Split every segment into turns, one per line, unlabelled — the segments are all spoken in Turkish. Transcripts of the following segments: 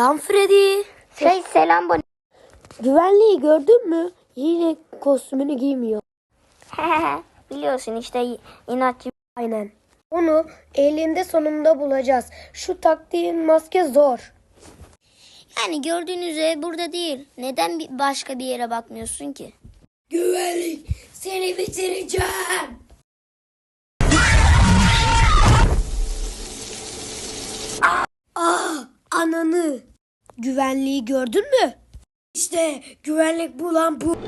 Selam Freddy.
Selam Bonnie.
Güvenliği gördün mü? Yine kostümünü giymiyor.
Biliyorsun işte inatçı.
Aynen. Onu elinde sonunda bulacağız. Şu taktiğin maske zor.
Yani gördüğünüz üzere burada değil. Neden başka bir yere bakmıyorsun ki?
Güvenlik, seni bitireceğim. Ananı. Güvenliği gördün mü? İşte güvenlik bulan bu.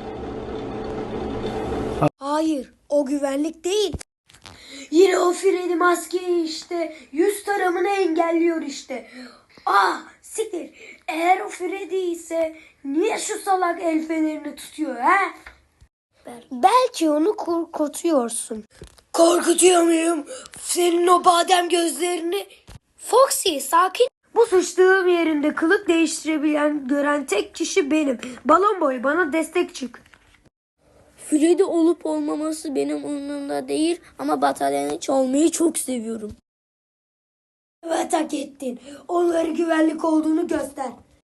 Hayır, o güvenlik değil. Yine o Freddy maske işte. Yüz taramını engelliyor işte. Siktir. Eğer o Freddy ise niye şu salak el fenerini tutuyor ha? Belki onu korkutuyorsun. Korkutuyor muyum? Senin o badem gözlerini. Foxy sakin. Bu sıçtığım yerinde kılık değiştirebilen gören tek kişi benim. Balon boy bana destek çık.
Freddy olup olmaması benim umurumda değil ama bataryanı çalmayı çok seviyorum.
Evet hak ettin. Onları güvenlik olduğunu göster.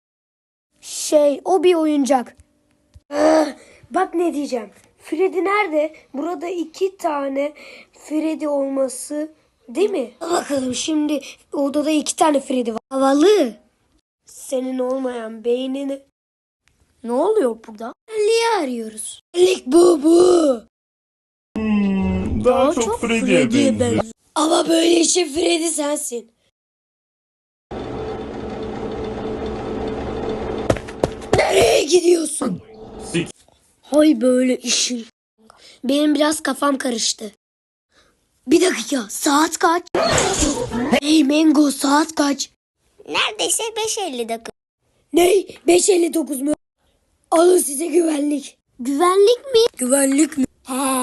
O bir oyuncak. Bak ne diyeceğim. Freddy nerede? Burada 2 tane Freddy olması değil mi? Bakalım şimdi odada 2 tane Freddy var. Havalı. Senin olmayan beynini.
Ne oluyor burada?
Güvenliği arıyoruz. Güvenlik bu.
Daha çok Freddy'ye benziyor.
Ama böyle işe Freddy sensin. Nereye gidiyorsun? Hay böyle işin. Benim biraz kafam karıştı. Bir dakika, saat kaç? Hey Mango, saat kaç?
Neredeyse 5:50 dakika.
Ne? 5:59 mu? Alın size güvenlik. Güvenlik mi? Güvenlik mi?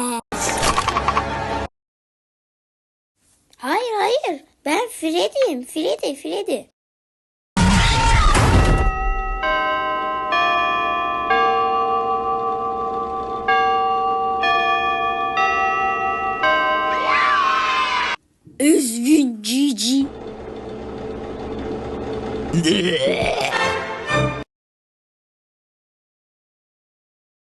Hayır. Ben Freddy'yim. Freddy.
Üzgün Cici.